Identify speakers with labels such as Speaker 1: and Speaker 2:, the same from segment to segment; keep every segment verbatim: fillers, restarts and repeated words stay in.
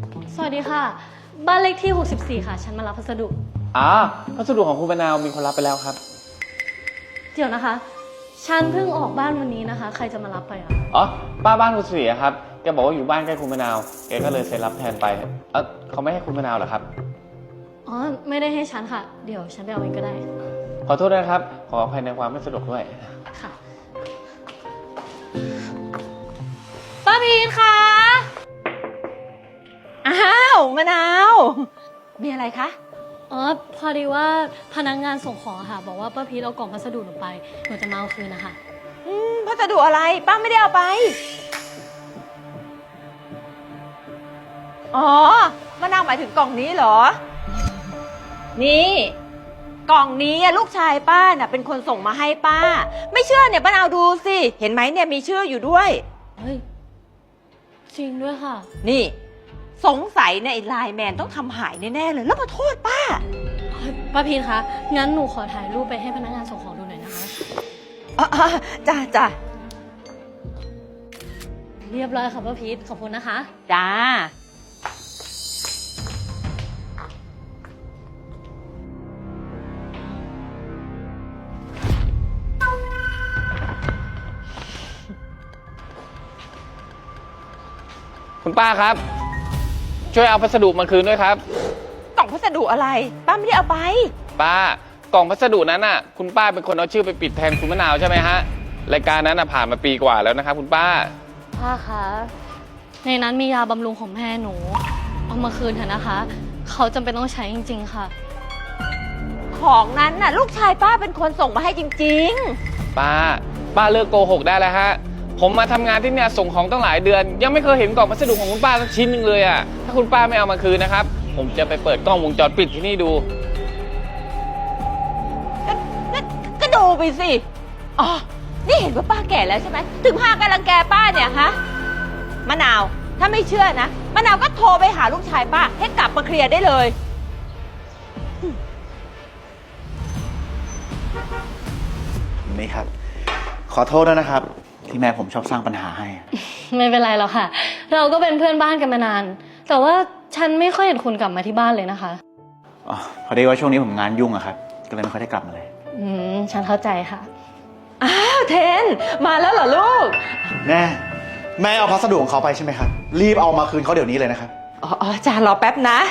Speaker 1: สวัสดีค่ะบ้านเลขที่หกสิบสี่ค่ะฉันมารับพัสดุ
Speaker 2: อ๋อพัสดุของคุณมะนาวมีคนรับไปแล้วครับ
Speaker 1: เดี๋ยวนะคะฉันเพิ่งออกบ้านวันนี้นะคะใครจะมารับไปอ่ะ
Speaker 2: อ๋อป้าบ้านคุณเสียครับแกบอกว่าอยู่บ้านใกล้คุณมะนาวแกก็เลยเซ็นรับแทนไปเออเขาไม่ให้คุณมะนาวเหรอครับ
Speaker 1: อ๋อไม่ได้ให้ฉันค่ะเดี๋ยวฉันไปเอาเองก็ได้
Speaker 2: ขอโทษนะครับขออภัยในความไม่สะดวกด้วย
Speaker 1: ค่ะป้าพีทคะ
Speaker 3: อ้าวมะนาวมีอะไรคะ
Speaker 1: อ๋อพอดีว่าพนักงานส่งของค่ะบอกว่าป้าพีทเอากล่องพัสดุหนูไปหนูจะมาเอาคืนนะคะ
Speaker 3: อืมพัสดุอะไรป้าไม่ได้เอาไปอ๋อมะนาวหมายถึงกล่องนี้เหรอนี่กล่องนี้ลูกชายป้าน่ะเป็นคนส่งมาให้ป้าไม่เชื่อเนี่ยมะนาวดูสิเห็นไหมเนี่ยมีชื่ออยู่ด้วย
Speaker 1: เฮ้ยจริงด้วยค่ะ
Speaker 3: นี่สงสัยเนี่ยไอ้ไลน์แมนต้องทำหายแน่ๆเลยแล้วมาโทษป้า
Speaker 1: ป้าพีทคะงั้นหนูขอถ่ายรูปไปให้พนักงานส่งของดูหน่อยนะคะ
Speaker 3: อ๋อจ้าจ้า
Speaker 1: เรียบร้อยค่ะป้าพีทขอบคุณนะคะ
Speaker 3: จ้า
Speaker 2: คุณป้าครับช่วยเอาพัสดุมาคืนด้วยครับ
Speaker 3: กล่องพัสดุอะไรป้าไม่ได้เอาไป
Speaker 2: ป้ากล่องพัสดุนั้นน่ะคุณป้าเป็นคนเอาชื่อไปปิดแทนคุณมะนาวใช่ไหมฮะรายการนั้นน่ะผ่านมาปีกว่าแล้วนะครับคุณป้า
Speaker 1: ป้าคะในนั้นมียาบำรุงของแม่หนูเอามาคืนเถอะนะคะเขาจำเป็นต้องใช้จริงๆค่ะ
Speaker 3: ของนั้นน่ะลูกชายป้าเป็นคนส่งมาให้จริง
Speaker 2: ๆป้าป้าเลิกโกหกได้แล้วฮะผมมาทำงานที่เนี่ยส่งของตั้งหลายเดือนยังไม่เคยเห็นกล่องพัสดุของคุณป้าสักชิ้นหนึ่งเลยอ่ะถ้าคุณป้าไม่เอามาคืนนะครับผมจะไปเปิดกล้องวงจรปิดที่นี่ดู
Speaker 3: ก็ก็ดูไปสิอ๋อนี่เห็นว่าป้าแก่แล้วใช่ไหมถึงพากันรังแกป้าเนี่ยฮะมะนาวถ้าไม่เชื่อนะมะนาวก็โทรไปหาลูกชายป้าให้กลับมาเคลียร์ได้เลย
Speaker 4: นี่ครับขอโทษด้วยนะครับที่แม่ผมชอบสร้างปัญหาให้
Speaker 1: ไม่เป็นไรหรอกค่ะเราก็เป็นเพื่อนบ้านกันมานานแต่ว่าฉันไม่ค่อยเห็นคุณกลับมาที่บ้านเลยนะคะ
Speaker 4: อ๋อพอดีว่าช่วงนี้ผมงานยุ่งอะครับก็เลยไม่ค่อยได้กลับมาเลย
Speaker 1: อืมฉันเข้าใจค่ะ
Speaker 3: อ้าวเทนมาแล้วเหรอลูก
Speaker 4: แม่แม่เอาพัสดุของเขาไปใช่ไหมครับรีบเอามาคืนเขาเดี๋ยวนี้เลยนะครับ
Speaker 3: อ๋อจ้ารอแป๊บนะ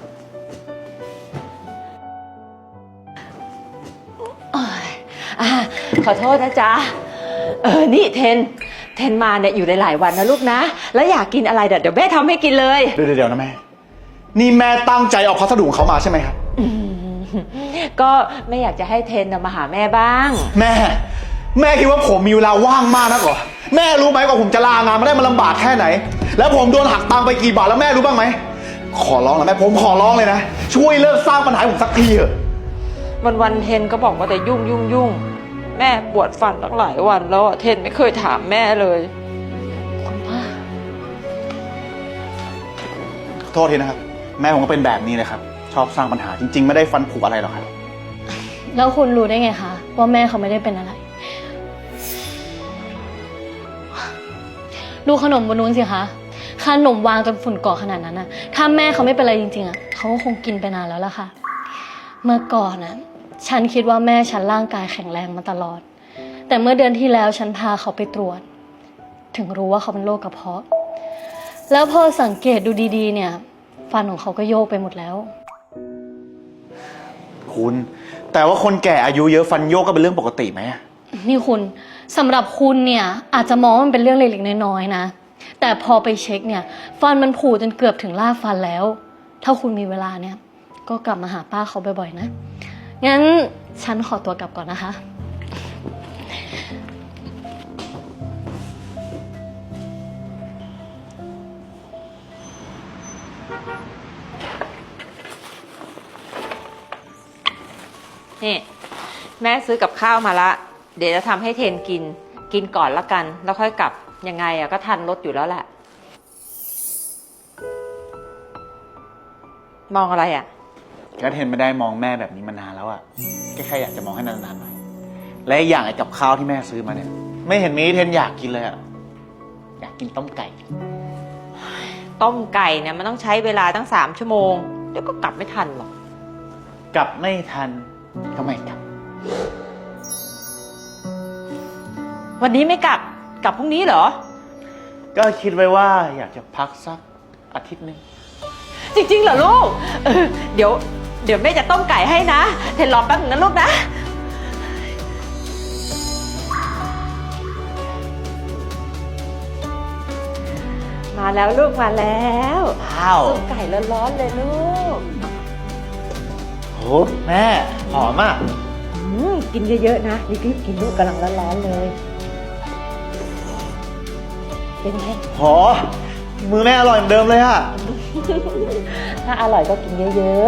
Speaker 3: อ่าขอโทษนะจ๊ะเออนี่เทนเทนมาเนี่ยอยู่หลายๆวันนะลูกนะแล้วอยากกินอะไรเดี๋ยวแม่ทำให้กินเลย
Speaker 4: เดี๋ยวเดี๋ยวนะแม่นี่แม่ตั้งใจเอาพัสดุของเขามาใช่ไหมครับ
Speaker 3: ก็แม่อยากจะให้เทนมาหาแม่บ้าง
Speaker 4: แม่แม่คิดว่าผมมีเวลาว่างมากนักเหรอแม่รู้ไหมว่าผมจะลางานมาได้มันลำบากแค่ไหนแล้วผมโดนหักตังค์ไปกี่บาทแล้วแม่รู้บ้างไหมขอร้องนะแม่ผมขอร้องเลยนะช่วยเลิกสร้างปัญหาผมสักทีเถอะ
Speaker 3: วันวันเทนก็บอกว่าแต่ยุ่งยุ่งยุ่งแม่ปวดฟันตั้งหลายวันแล้วเทนไม่เคยถามแม่เลย
Speaker 1: คุณป้า
Speaker 4: ขอโทษทีนะครับแม่ผมก็เป็นแบบนี้เลยครับชอบสร้างปัญหาจริงๆไม่ได้ฟันผุอะไรหรอกครับ
Speaker 1: แล้วคุณรู้ได้ไงคะว่าแม่เขาไม่ได้เป็นอะไรดูขนมบนนู้นสิคะขนมวางจนฝุ่นเกาะขนาดนั้นน่ะถ้าแม่เขาไม่เป็นอะไรจริงๆอ่ะเขาก็คงกินไปนานแล้วล่ะค่ะเมื่อก่อนน่ะฉันคิดว่าแม่ฉันร่างกายแข็งแรงมาตลอดแต่เมื่อเดือนที่แล้วฉันพาเขาไปตรวจถึงรู้ว่าเขาเป็นโรคกระเพาะแล้วพอสังเกตดูดีๆเนี่ยฟันของเขาก็โยกไปหมดแล้ว
Speaker 4: คุณแต่ว่าคนแก่อายุเยอะฟันโยกก็เป็นเรื่องปกติไหม
Speaker 1: นี่คุณสำหรับคุณเนี่ยอาจจะมองว่ามันเป็นเรื่องเล็กๆน้อยๆนะแต่พอไปเช็คเนี่ยฟันมันผุจนเกือบถึงรากฟันแล้วถ้าคุณมีเวลาเนี่ยก็กลับมาหาป้าเขาบ่อยๆนะงั้นฉันขอตัวกลับก่อนนะคะ
Speaker 3: นี่แม่ซื้อกับข้าวมาละเดี๋ยวจะทำให้เทนกินกินก่อนละกันแล้วค่อยกลับยังไงอะก็ทันรถอยู่แล้วแหละมองอะไรอะ
Speaker 4: ก็เทนไม่ได้มองแม่แบบนี้มานานแล้วอะแค่แค่อยากจะมองให้นานๆหน่อยและอย่างไอ้กับข้าวที่แม่ซื้อมาเนี่ยไม่เห็นมีเทนอยากกินเลยอะอยากกินต้มไก่
Speaker 3: ต้มไก่เนี่ยมันต้องใช้เวลาตั้งสามชั่วโมงเดี๋ยวก็กลับไม่ทันหรอก
Speaker 4: กลับไม่ทันก็ไม่กลับ
Speaker 3: วันนี้ไม่กลับกลับพรุ่งนี้เหรอ
Speaker 4: ก็คิดไว้ว่าอยากจะพักสักอาทิตย์หนึง
Speaker 3: จริงๆเหรอลูกเออเดี๋ยวเดี๋ยวแม่จะต้มไก่ให้นะเทนรอแป๊บนึงนะลูกนะมาแล้วลูกมาแล้ว
Speaker 4: ว้าว
Speaker 3: ต้มไก่ร้อนๆเลยลูก
Speaker 4: โหแม่หอมอ่ะ
Speaker 3: อืมกินเยอะๆนะรีบๆกินลูกกำลังร้อนๆเลยเป็นไง
Speaker 4: โหมือแม่อร่อยเหมือนเดิมเลยอะ
Speaker 3: ถ้าอร่อยก็กินเยอะ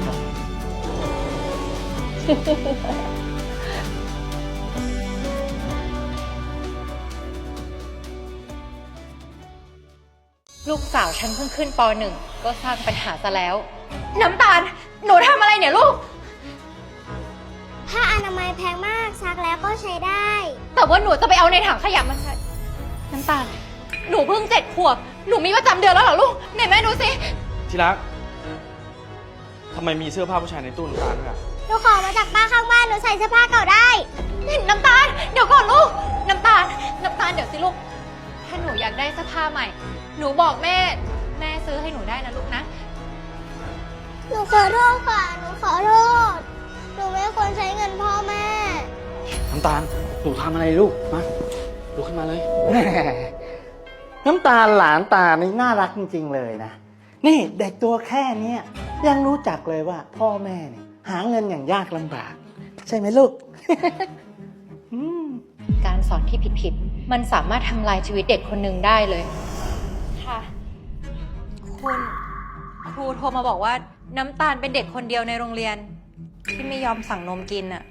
Speaker 5: ลูกสาวฉันเพิ่งขึ้นปหนึ่งก็สร้างปัญหาซะแล้ว น้ำตาล หนูทำอะไรเนี่ยลูก
Speaker 6: ผ้าอนามัยแพงมากซักแล้วก็ใช้ได้
Speaker 5: แต่ว่าหนูจะไปเอาในถังขยะมาใช้น้ำตาล หนูเพิ่งเจ็ดขวบ หนูมีประจำเดือนแล้วเหรอลูกไหนแม่ดูสิ
Speaker 7: ที่รัก ทำไมมีเสื้อผ้าผู้ชายในตู้น้ำตาลด้วยอะ
Speaker 6: หนูขอมาจากป้าข้างบ้านหนูใส่เสื้อผ้าเก่าได้
Speaker 5: น้ำตาล เดี๋ยวก่อนลูก น้ำตาล น้ำตาลเดี๋ยวสิลูก ถ้าหนูอยากได้เสื้อผ้าใหม่ หนูบอกแม่ แม่ซื้อให้หนูได้นะลูกนะ
Speaker 6: หนูขอโทษค่ะ หนูขอโทษ หนูไม่ควรใช้เงินพ่อแม่
Speaker 7: น้ำตาล หนูทำอะไรลูก มาลุกขึ้นมาเลย
Speaker 8: แหมน้ำตาลหลานตานี่น่ารักจริงๆเลยนะ นี่เด็กตัวแค่เนี้ยยังรู้จักเลยว่าพ่อแม่เนี่ยหาเงินอย่างยากลำบาก ใช่ไหมลูก อืม
Speaker 5: การสอนที่ผิดๆ มันสามารถทำลายชีวิตเด็กคนหนึ่งได้เลย ค่ะ คุณครูโทรมาบอกว่าน้ำตาลเป็นเด็กคนเดียวในโรงเรียน ที่ไม่ยอมสั่งนมกินอะ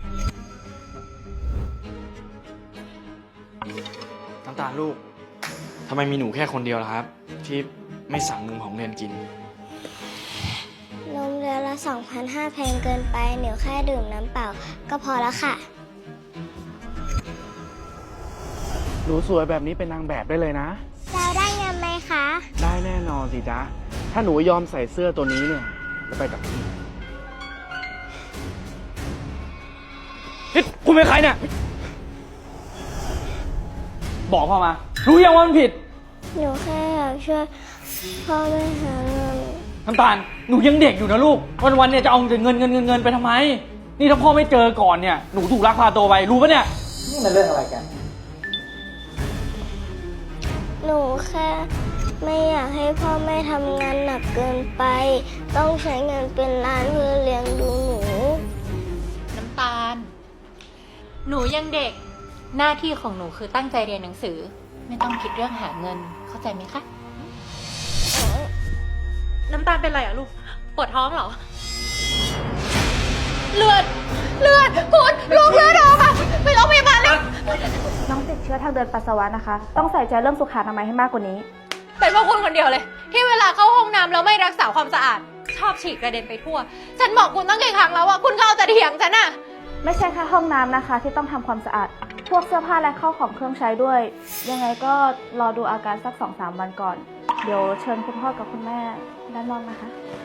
Speaker 7: น้ำตาลลูก ทำไมมีหนูแค่คนเดียวล่ะครับ ที่ไม่สั่งนมของเรียนกิน
Speaker 6: นมเดือนละ สองพันห้าร้อย แพงเกินไป หนูแค่ดื่มน้ำเปล่าก็พอแล้วค่ะ
Speaker 7: หนูสวยแบบนี้เป็นนางแบบได้เลยนะ
Speaker 6: เราได้เงินไหมคะ
Speaker 7: ได้แน่นอนสิจ๊ะ ถ้าหนูยอมใส่เสื้อตัวนี้เนี่ยจะไปกับพี่นี่คุณเป็นใครเนี่ย บอกพ่อมา รู้ยังว่ามันผิด
Speaker 6: หนูแค่อยากช่วยพ่อแม่หาเงิน
Speaker 7: น้ำตาล หนูยังเด็กอยู่นะลูก วันๆเนี่ยจะเอาแต่เงินเงินเงินเงินไปทำไม นี่ถ้าพ่อไม่เจอก่อนเนี่ย หนูถูกลักพาตัวไป รู้ปะเนี่ย
Speaker 8: นี่มันเรื่องอะไรกัน
Speaker 6: หนูแค่ไม่อยากให้พ่อแม่ทำงานหนักเกินไป ต้องใช้เงินเป็นล้านเพื่อเลี้ยงดูหนู
Speaker 5: น้ำตาล หนูยังเด็ก หน้าที่ของหนูคือตั้งใจเรียนหนังสือ ไม่ต้องคิดเรื่องหาเงิน เข้าใจไหมคะ น้ำตาลเป็นไรอะลูก ปวดท้องเหรอ เลือด เลือดคุณลูกเลือดออกอะไปโรงพยาบาลเลย
Speaker 9: น้องติดเชื้อทางเดินปัสสาวะนะคะ ต้องใส่ใจเรื่องสุขอนามัยให้มากกว่านี้
Speaker 5: เป็นเพราะคุณคนเดียวเลย ที่เวลาเข้าห้องน้ำแล้วไม่รักษาความสะอาด ชอบฉีกกระเด็นไปทั่ว ฉันบอกคุณตั้งกี่ครั้งแล้วว่าคุณก็เอาแต่เถียงฉันอะ
Speaker 9: ไม่ใช่แค่ห้องน้ำนะคะ ที่ต้องทำความสะอาด พวกเสื้อผ้าและเข้าของเครื่องใช้ด้วย ยังไงก็รอดูอาการสัก สองสาม วันก่อน เดี๋ยวเชิญคุณพ่อกับคุณแม่ด้านนอกนะคะ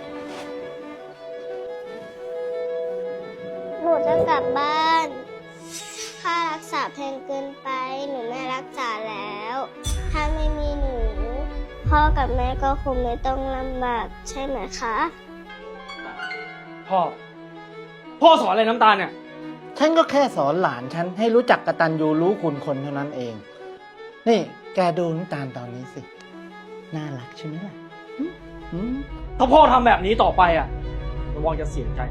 Speaker 6: หนูจะกลับบ้าน ค่ารักษาแพงเกินไป หนูไม่รักษาแล้ว ถ้าไม่มีหนู พ่อกับแม่ก็คงไม่ต้องลำบากใช่ไหมคะ
Speaker 7: พ่อ พ่อสอนอะไรน้ำตาลเนี่ย
Speaker 8: ฉันก็แค่สอนหลานฉันให้รู้จักกตัญญูรู้คุณคนเท่านั้นเอง นี่แกดูน้ำตาลตอนนี้สิ น่ารักใช่ไหมล่ะหึหึ
Speaker 7: ถ้าพ่อทำแบบนี้ต่อไปอ่ะระวังจะเสียใจ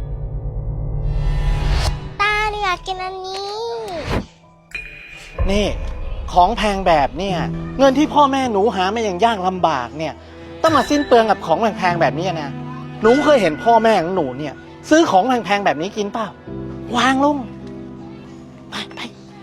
Speaker 6: ตาหนูอยากกินอันนี้
Speaker 8: นี่ของแพงแบบเนี่ยเงินที่พ่อแม่หนูหามาอย่างยากลำบากเนี่ยต้องมาสิ้นเปลืองกับของแพงๆแบบนี้นะหนูเคยเห็นพ่อแม่ของหนูเนี่ยซื้อของแพงๆแบบนี้กินเปล่าวางลงไปไป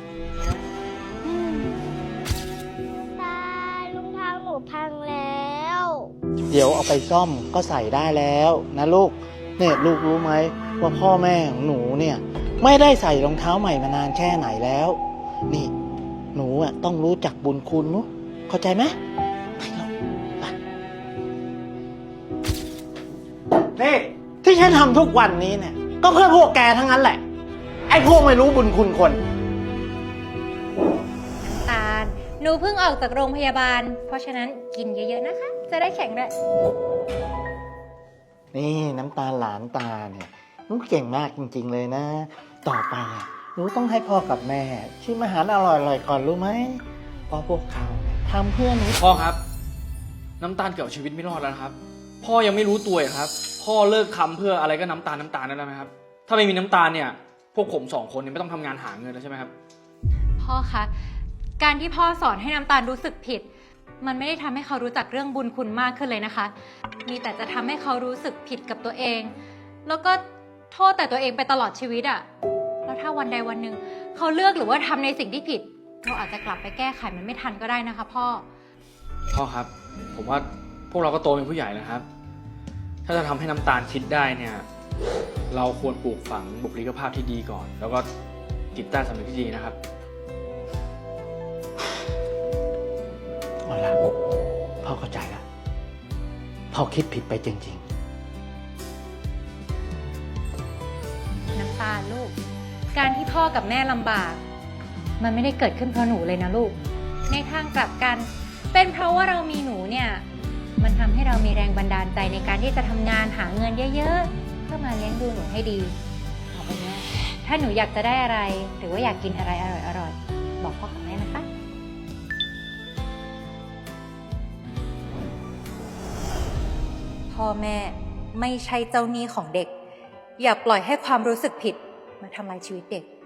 Speaker 6: ตารองเท้าหนูพังแล้ว
Speaker 8: เดี๋ยวเอาไปซ่อมก็ใส่ได้แล้วนะลูกเนี่ยลูกรู้ไหมว่าพ่อแม่ของหนูเนี่ยไม่ได้ใส่รองเท้าใหม่มานานแค่ไหนแล้ว นี่หนูอ่ะต้องรู้จักบุญคุณนุเข้าใจไหมไปลูกไปนี่ที่ฉันทำทุกวันนี้เนี่ย ก็เพื่อพวกแกทั้งนั้นแหละ ไอ้พวกไม่รู้บุญคุณคน
Speaker 5: น้ำตาล หนูเพิ่งออกจากโรงพยาบาล เพราะฉะนั้นกินเยอะๆนะคะ จะได้แข็งแรง
Speaker 8: นี่น้ำตาลหลานตาเนี่ยหนูเก่งมากจริงๆเลยนะ ต่อไปอะหนูต้องให้พ่อกับแม่ชิมอาหารอร่อยๆก่อนรู้ไหมเพราะพวกเขาทำเพื่อหนู
Speaker 7: พ่อครับ น้ำตาลเกือบชีวิตไม่รอดแล้วนะครับ พ่อยังไม่รู้ตัวเหรอครับ พ่อเลิกทำเพื่ออะไรก็น้ำตาลน้ำตาลนั่นแล้วไหมครับ ถ้าไม่มีน้ำตาลเนี่ย พวกผมสองคนเนี่ยไม่ต้องทำงานหาเงินแล้วใช่ไหมครับ
Speaker 5: พ่อคะ การที่พ่อสอนให้น้ำตาลรู้สึกผิด มันไม่ได้ทำให้เขารู้จักเรื่องบุญคุณมากขึ้นเลยนะคะ มีแต่จะทำให้เขารู้สึกผิดกับตัวเอง แล้วก็โทษแต่ตัวเองไปตลอดชีวิตอะแล้วถ้าวันใดวันหนึ่งเขาเลือกหรือว่าทำในสิ่งที่ผิด เราอาจจะกลับไปแก้ไขมันไม่ทันก็ได้นะคะพ่อ
Speaker 7: พ่อครับ ผมว่าพวกเราก็โตเป็นผู้ใหญ่แล้วครับ ถ้าจะทำให้น้ำตาลคิดได้เนี่ย เราควรปลูกฝังบุคลิกภาพที่ดีก่อน แล้วก็จิตใต้สำนึกที่ดีนะครับ
Speaker 8: เอาละพ่อเข้าใจแล้วพ่อคิดผิดไปจริงๆ
Speaker 5: น้ำตาลลูก การที่พ่อกับแม่ลำบาก มันไม่ได้เกิดขึ้นเพราะหนูเลยนะลูก ในทางกลับกัน เป็นเพราะว่าเรามีหนูเนี่ย มันทำให้เรามีแรงบันดาลใจในการที่จะทำงานหาเงินเยอะๆ เพื่อมาเลี้ยงดูหนูให้ดีต่อไปเนี้ยถ้าหนูอยากจะได้อะไร หรือว่าอยากกินอะไรอร่อยๆ บอกพ่อกับแม่นะคะ พ่อแม่ไม่ใช่เจ้าหนี้ของเด็ก อย่าปล่อยให้ความรู้สึกผิดมาทำลายชีวิตเด็ก